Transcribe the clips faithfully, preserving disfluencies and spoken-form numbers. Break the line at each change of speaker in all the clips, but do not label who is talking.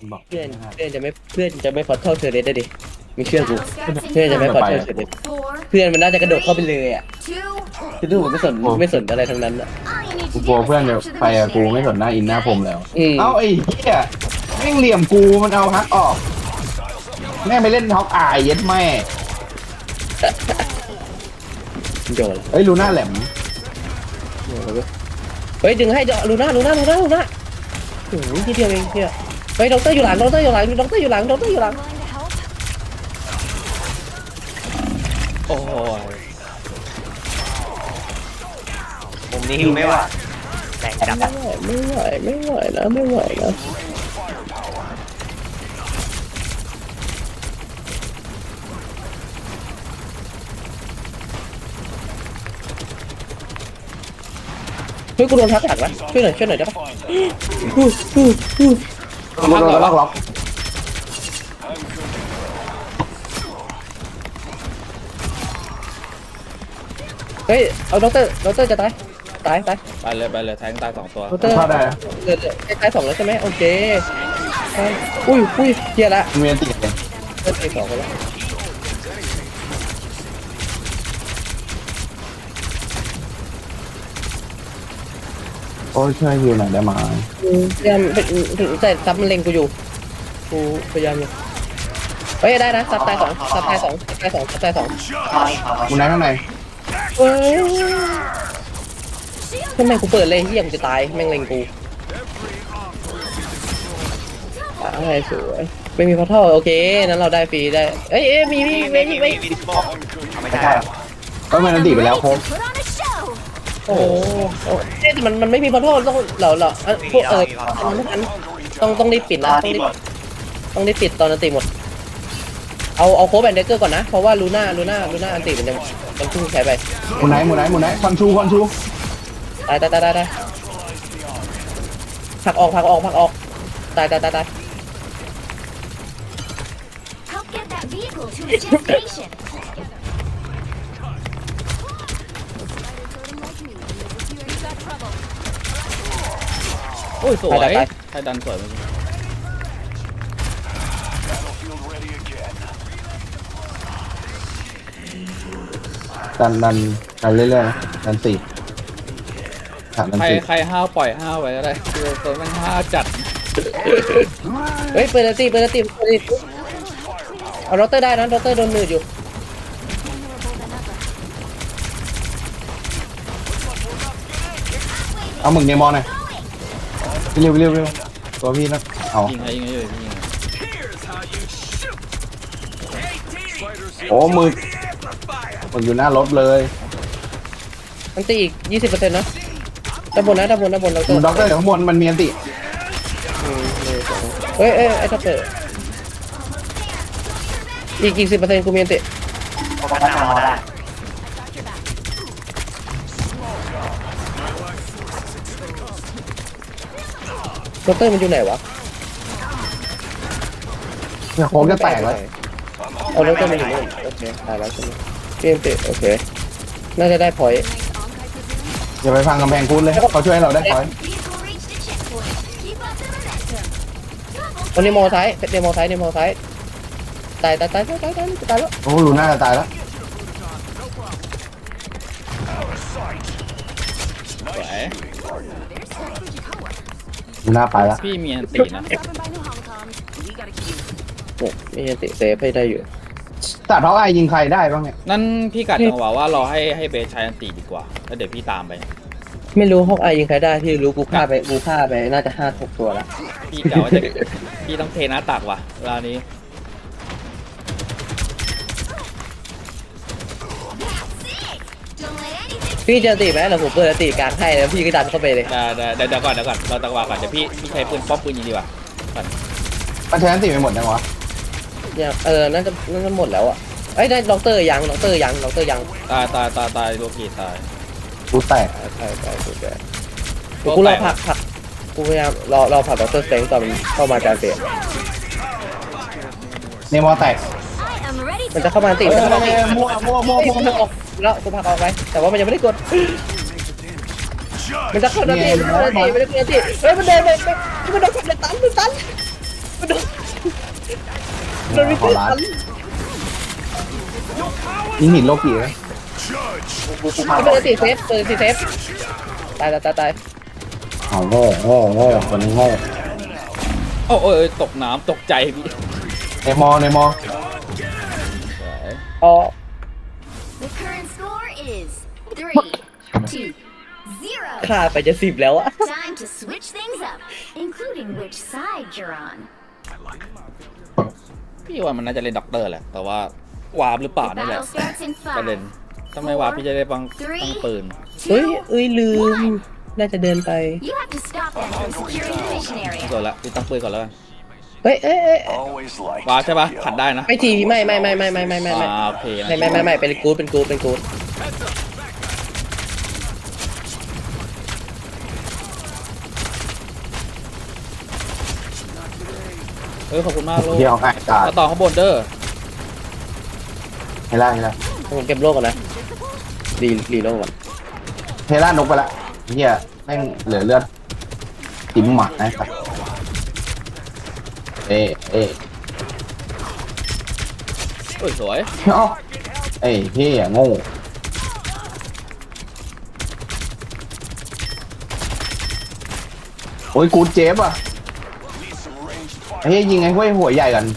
บอก
เพื่อนเพื่อนจะไม่เพื่อนจะไม่พอเท่าเธอเลยได้ดิมีเชื่อกูเพื่อนจะไม่พอเท่าเธอเลยเพื่อนมันน่าจะกระโดดเข้าไปเลยอ่ะคือดูไม่สนไม่สนอะไรทั้งนั้นอ่ะ
กูกลัวเพื่อนจะไปอะกูไม่สนหน้าอินหน้าผมแล้ว
อืม
เอ้าไอ้เหี้ยแม่งเหลี่ยมกูมันเอาฮักออกแม่งไปเล่นท็อปอายเย็ดแม่
โยน
เฮ้ยลูน่าแหลม
เฮ้ยดึงให้ลูน่าลูน่าลูน่าลูน่าโอ้ยทีเดียวเองเนี่ยเฮ้ยด็อกเตอร์อยู่หลังด็อกเตอร์อยู่หลังด็อกเตอร์อยู่หลังด็อกเตอร์อยู่หลัง
โอ้ยมุมนี้หิวไม่ไหวแรงจัด
ไม่ไหวไม่ไหวนะไม่ไหวนะเฮ้ยกูโดนทักหลังนะช่วยหน่อยช่วยหน่อยได้ปะอู้อู้อู้
ล็อกล็อกล็อกล็อก
เฮ้ยเอาด็อกเตอร์ด็อกเตอร์จะตายตายตาย
ไปเลยไปเลยแทงตายสองตัว
ด็อกเตอร์
เข้าได้นะ
เออใกล้ๆสองแล้วใช่ไหมโอเคอุ้ยอุ้ยเฮียละ
เมียนติดเลย
เริ่มตีสองกันแล้ว
โอ้ยช่วยฮิวหน่อยได้ไหม
พยายามถึงแต่ซับมันเล็งกูอยู่กูพยายามอยู่เฮ้ยได้นะซับตายสองซับตายสองซับตายสองซับตายสอง
กูไหนข้างใน
เฮ้ยทำไมกูเปิดเลยเฮียกูจะตายแม่งเล็งกูตายสวยไม่มีพัทเทิลโอเคนั้นเราได้ฟรีได้เอ้ยเอ้ยมีมีมีมีมี
ไม่ได้
เอ้ยมันอันติไปแล้วโค้ง
โอ้โหเอ๊ะแต่มันมันไม่มีพัทเทิลต้องเราเราพวกเออมันไม่ทันต้องต้องรีบปิดนะต้องรีบต้องรีบปิดตอนอันติหมดเอาเอาโค้ดแบนเดเกอร์ก่อนนะเพราะว่าลูน่าลูน่าลูน่าอันติมันยังมันเพิ่งใช้ไป
หมูไหนหมูไหนหมูไหนควันชูควันชู
ตายตายตายตายตายผลักออกผลักออกผลักออกตายตายตายตาย
Help get that vehicle to its destination.
โอ้ยสวยใครดันสวยเมื่อกี้
ดันดันดันเรื่อยๆนะดันสี่ขาดดัน
ใคร
สี่
ใครห้าวปล่อยห้าวไว้ก็ได้คือตัวมันห้าวจัด
เฮ้ยเปิดอันติเปิดอันติเปิดอันติเอาด็อกเตอร์ได้นะด็อกเตอร์โดนมืออยู่
เอาหมึกเนมอนหน่อยเร็วเร็วเร็วตัวพี่นะเอา
ยิงใครยิงใครอยู่ยิง
โอ้หมึกหมึกอยู่หน้ารถเลย
อันติอีกยี่สิบเปอร์เซ็นต์นะด้านบนนะด้านบนด้านบนด็อกเตอร์
ด็อกเตอร์อยู่ข้างบนมันมีอันติ
เฮ้ยเอ้ยไอ้ท็อปเตอร์อีกอีกสิบเปอร์เซ็นต์กูมีอันติด็อกเตอร์มันอยู่ไหนวะ
เนี่ยโค้งจะแตกเลย
เอาด็อกเตอร์มันอยู่นู่นโอเคตายแล้วใช่ไหมมีอันติโอเคน่าจะได้พอยต์
อย่าไปพังกำแพงคุ้นเลยเขาช่วยให้เราได้คอย
Vehicle reached its checkpoint. Keep up the momentum.
วันนี้มอซ้ายเดโมซ้ายเดโมซ้ายตายตายตายตายตายตายตายแล้ว
โอ้ลูน่าจะตายแล้ว
สวย
ลูน่าไปแล้ว
พี่มีอันตีนะ
Governed by New Hong Kong. We gotta keep.
เนี่ยมีอันติเซฟให้ได้อยู่
แต่เพราะไอ้ยิงใครได้บ้างเนี่ย
นั่นพี่กัดจังหวะว่ารอให้ให้เบสใช้อันตีดีกว่าแล้วเดี๋ยวพี่ตามไป
ไม่รู้ฮอกอายยิงใครได้ที่รู้กูฆ่าไปกูฆ่าไปน่าจะห้าหกตัวละ
พี่เก่าจะพี่ต้องเทหน้าตักว่ะเวลานี้
Don't let anything.
พี่จะตีไหมเราผมเปิดตีกลางให้แล้วพี่ก็ดันเข้าไปเลย
เดี๋ยวเดี๋ยวเดี๋ยวก่อนเดี๋ยวก่อนเราตักวาก่อนเดี๋ยวพี่พี่ใช้ปืนป้อมปืนยิงดีกว่าก่อน
มันใช้อันติไปหมดยังวะ
เนี่ยเออน่าจะน่าจะหมดแล้วอ่ะเอ้ยได้ด็อกเตอร์ยังด็อกเตอร์ยังด็อกเตอร์ยัง
ตายตายตายตายโลกีตาย
กูแตก
ใช่ใช่ใช่ใช่กูรอผักผักกูพยายามรอรอผักด็อกเตอร์เซงตอนมันเข้ามาการเตะ
เนมอแตก
I am ready
มัน
to.
จะเข้ามาตีมันจะเข้ามาตี
มั่วมั่วมั่ว
กู
มั่ว
พักออกแล้วกูพักออกไปแต่ว่ามันยังไม่ได้กดมันจะเข้านาทีมันจะตีมันจะตีเฮ้ยมันเดินไปมันโดนกดเลยตันมันตันมันโดนมันไม่
ขอ
ขึ้น
ร้าน
ทัน
ยิงหินโลกีเลย
ไม่เป็นติเซฟเป็นติเซฟตายตายตายตาย
อ๋อโง่โง่โง่คนนี้โง่
โอ้โอ้ยตกน้ำตกใจพี่
ในมอในมอ
สวย
อ๋อ
The current score is three, two, zero.
ขาดไปจะสิบแล้วอะ
Time to switch things up, including which side you're on.
พี่ว่ามันน่าจะเล่นด็อกเตอร์แหละแต่ว่าวาร์ปหรือเปล่า
The
นี่แหละ
battle starts in
ประเด็น
five.
ถ้าไม่วาร์ปพี่จะได้ปังตั้งปืน
เฮ้ย
Two.
เอ้ยลืมน่าจะเดินไป
You have to stop them from securing the mission
ไม่
area.
สนละพี่ตั้งปืนก่อนแล้วกัน
เฮ้ยเอ้ยเอ้ยเอ้ยว
าร์ปใช่ปะขัดได้นะ
ไม่ทีไม่ไม่ไม่ไม่ไม่ไม่ไม่ไม่
อ่าโอเคนะ
ไม่ไม่ไม่ไม่เป็นกู๊ดเป็นกู๊ดเป็นกู๊ด
เฮ้ยขอบคุณมากโลก
เที่ยวง่ายจัด
มาต่อข้างบนเด้อ
เฮล่าเฮล่า
ผมเก็บโลกก่อนนะรีรีโลกก่อน
เฮล่านกไปละเฮียแม่งเหลือเลือดจิ้มหมัดนะครับเอ๊ะเอ๊ะ
เฮ้ยสวย
เอ้าเอ้ยเฮียโง่โอ้ยกูเจ็บอ่ะเฮ้ยยิงไอ้ห้วยหัวใหญ่กัน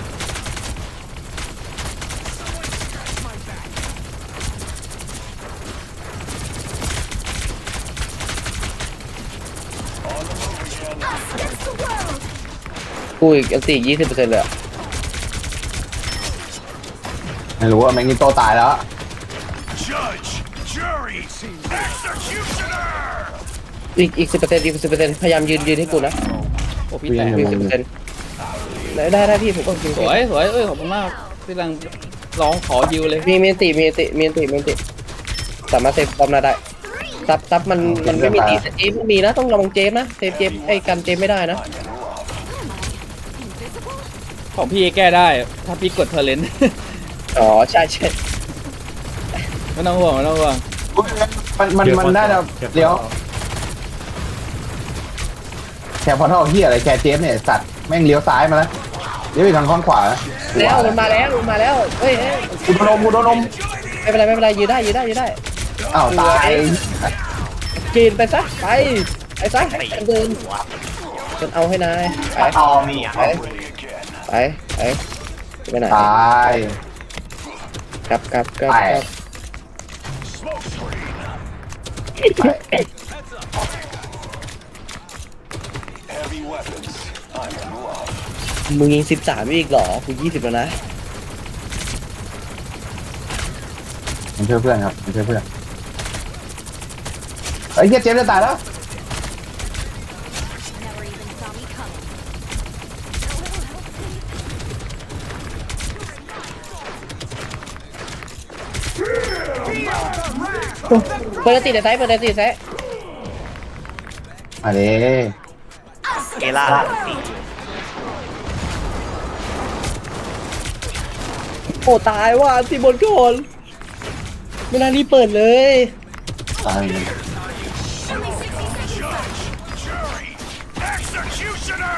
กูอีกอันสี่ยี่สิบเปอร์เซ็นต์เลยอะ
ไม่รู้ว่าแมงกิโตตายแล้ว
Judge, jury, executioner!
อีกอีกสิบเปอร์เซ็นต์อีกสิบเปอร์เซ็นต์พยายามยืนยืนให้กูนะ
โอ้พี่แตก
อีกสิบเปอร์เซ็นต์ได้ได้ได้พี่ผมก็จริง
สวยสวยเอ้ยขอบคุณมากพี่กำลังร้องขอยิวเลย
มีมีอันติมีอันติมีอันติมีอันติสามารถเซฟความน่าได้ซับซับมันมันไม่มีตีแต่เจมมีนะต้องระวังเจมนะเซฟเจมไอ้กันเจมไม่ได้นะ
ของพี่แก้ได้ถ้าพี่กดเทอร์เลน
อ๋อใช่ใช่
ไม่ต้องห่วงไม่ต้องห่วง
มันมันมันน่าจะเลี้ยวแคร์พอร์ทัลเฮียอะไรแคร์เจฟเนี่ยสัตว์แม่งเลี้ยวซ้ายมาแล้วเลี้ยวไปทางข้างขวา
แล้วมันมาแล้วมันมาแล้วเฮ้ยเฮ้ย
อุดมอุดม
ไม่เป็นไรไม่เป็นไรยืนได้ยืนได้ยืนได้
อ้าวตาย
กินไปซะไปไปซะเดินจนเอาให้นายไป
ตอมี
ไปไปไปไปไหน
ตาย
กลับกลับกลับ
ไป
กลับ
Heavy weapons. I'm in love.
มึงยิงสิบสามอีกเหรอกูยี่สิบแล้วนะ
มันช่วยเพื่อนครับมันช่วยเพื่อนไอ้เฮียเจฟจะตายแล้ว
Never even saw me coming.
เปิดตีแต่ไซส์เปิดตีแต่ไซส์
มาเด้
เอล่า
โอ้ตายว่ะทีบนก่อนไม่น่ารีบเปิดเลย
ตาย
Jury, executioner!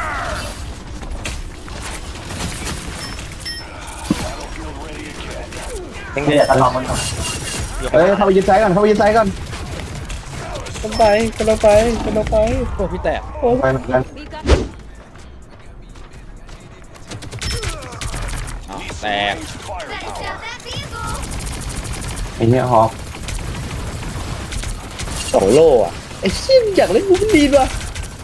เป็นไงทะเลาะกันหน่อย
เอ้ยเข้าไปยึดไซส์ก่อนเข้าไปยึดไซส์ก่อน
กำลังไปกำลังไปกำลังไป
โอ้พี่แตก
โอ้
ไปเหมือนกัน
We've got
เอ้าแตก
better stop that vehicle.
ไอ้เนี้ยฮอก
สองโลอ่ะไอ้ชิมอยากเล่นบูมดีว่ะ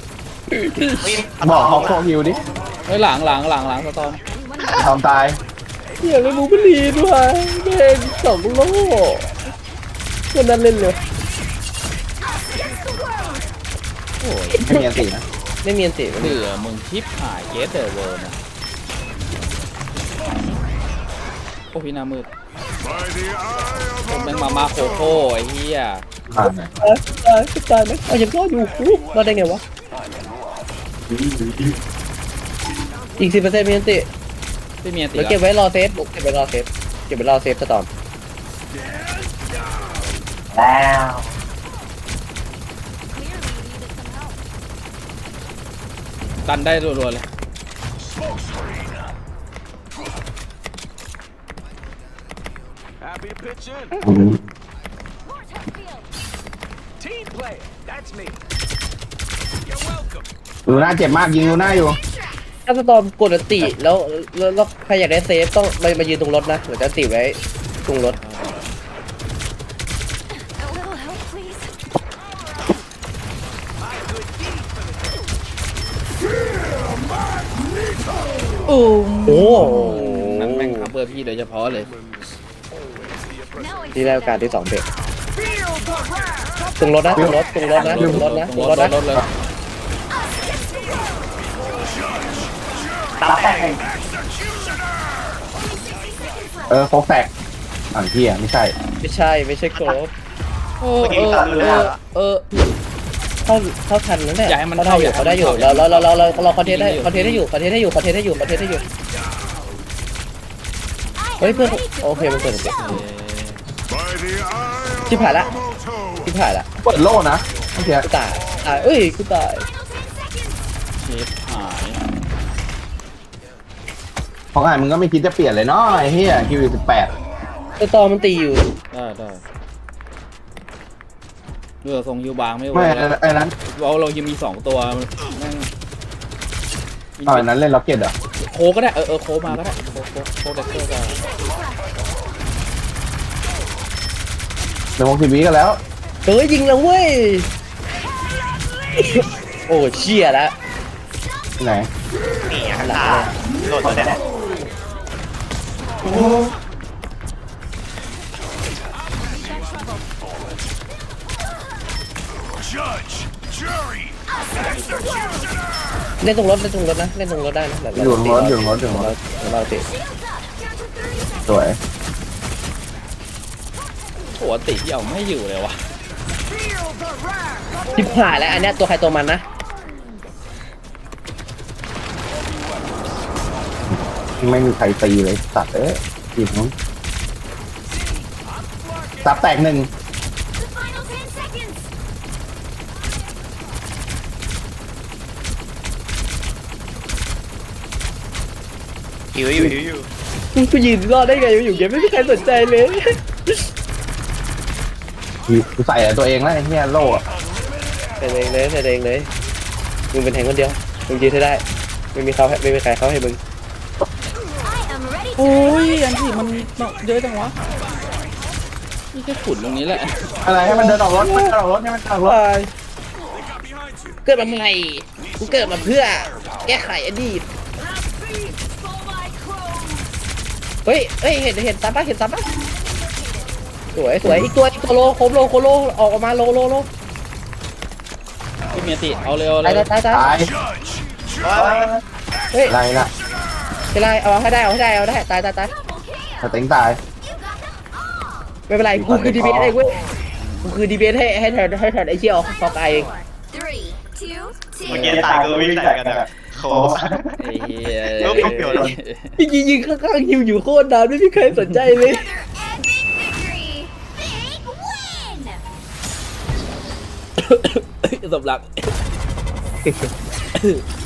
บอกฮอกโคฮิวดิ
เฮ้ยหลังหลังหลังหลังสตอม
ทำตาย
อยากเล่นบูมดีด้วยแม่งสองโลคนนั้นเล่นเลย
โอ้ย
ไม่มีอันตีนะ
ไม่มีอันติ
เหลือมึงชิปหายเยสเดอร์เวิร์นะโอ้พี่หน้ามืด
By the eye
ผม
of
แม่งมามาโคโค่ไอ้เหี้ย
อ่า
ตายตายตายไหมเอายังรอดอยู่อู้รอดได้ไงวะอีกสิบเปอร์เซ็นต์มีอันติ
ไม่มีอันติ
เดี๋ยวเก็บไว้รอเซฟบุกเก็บไว้รอเซฟเก็บไว้รอเซฟสตอม
แล้ว
ดันได้รัวๆเลย
me to pitch in.
อืม
Team player. That's me. You're welcome.
ดูหน้าเจ็บมากยิงดูหน้าอยู่
ถ้าสตอมกดอันติแล้วแล้วแล้วใครอยากได้เซฟต้องมามายืนตรงรถนะหรือจะอันติไว้ตรงรถ
A little help, please.
โอ้โห
นั่นแม่งทำเพื่อพี่โดยเฉพาะเลย
Now it's
ที่ได้โอกาสที่สองเบรกตรงรถนะตรงรถตรงรถนะตรงรถนะต
ต
ร
รง ง
ร
ร
ถ
ถ
นะ
รถเลย
ตาแตก
เออโฟกแตกอ่างที่อ่ะไม่ใช่
ไม่ใช่ไม่ใช่ครบเออ
เมื่อ
เอ
กี้
อ
ตาเรือ
เออเข้าเข้าทันนั่นแหละ
อย่าให้มัน
เขาได้อยู่
เข้า
เขาได้อยู่
อย่า
เรา
ให้มัน
เรา
เข้า
เราเราเราคอนเทนต์ได้คอนเทนต์ได้อยู่คอนเทนต์ได้อยู่คอนเทนต์ได้อยู่คอนเทนต์ได้อยู่เฮ้ยเพื่อนโอเคมันเปิดเสียง ชิบหายละชิบหายละ
เปิดโล่นะเมื่อกี้
กูตายตายเอ้ยกูตาย
เชฟหาย
ของอ่านมึงก็ไม่คิดจะเปลี่ยนเลยเนาะไอ้เหี้ยคิวสิบแปด
ตัวตอมันตีอยู่
ได้ได้เรือทรงยูบางไม่ไหว
ไม่
แล้ว
ไอ้นั้น
เราเรายังมีสองตัวแม่ง
อ๋ออันนั้นเล่นล็อกเก็ตเหรอ
โคก็ได้เออเออโคมาก็ได้โคโคโคเด็กเตอร์ก็
เดี๋ยววงทีวีกันแล้ว
เฮ้ยยิงแล้วเว้ยโอ้เชี่ยแล้ว
ที่ไหน
นี่อ่ะตาโดนตัวแน่
เล่นตรงรถเล่นตรงรถนะเล่นตรงรถได้นะ
อยู่ตรงรถอยู่ตรงรถอยู่ตรงรถ
เราติ
สวย
หัวติดเอาไม่อยู่เลยวะ
ชิบหายแล้วอันเนี้ยตัวใครตัวมันนะ
ไม่มีใครตีเลยตัดเอ้ยจีบน้องซับแตกหนึ่ง
The final ten seconds.
หิวอยู่หิวอยู่
กูยืนรอดได้ไงอยู่เกมไม่มีใครสนใจเลย
กูใส่แต่ตัวเองแล้วไอ้เหี้ยโล่อะ
ใส่เองเลยใส่เองเลยมึงเป็นแทงคนเดียวมึงยืนให้ได้ไม่มีเขาไม่มีใครเขาให้มึง
I am ready
โอ้
to
ยอันที่มันเยอะจังวะนี่แค่ขุดตรงนี้แหละ
อะไรให้มันเดินออกรถให้มันเดินออกรถให้มันเดินออกรถ
ตายเกิดมาใหม่กูเกิดมาเพื่อแก้ไขอดีต
for my crows.
เฮ้ยเฮ้ยเห็นเห็นตามปะเห็นตามปะสวยสวยอีกตัวอีกตัวโลโคมโลโคโลออกมาโลโลโล
พี่เมียติเอาเร็วเล
ตาย
ย
ตายตาย
ตาย
เฮ้ย
อะไรล่ะ
เป็นไรเอาให้ได้เอาให้ได้เอาได้ตายตายตาย
สเต็งตาย
ไม่เป็นไรกูคือดีเบตเองเว้ยกูคือดีเบตให้ให้แทนให้แทนไอ้เชี่ยฟอกไอเอง
Three, two,
เมื่อ
two.
กี้ตายก็วิ่งใส่กันอะโค
ไอ้เหี้ย
เออไม่เกี่ยวเลย
ยิงยิงยิงข้างๆยิวอยู่โคตรนานไม่มีใครสนใจเลย
Another epic victory. Big win.
สำหรับ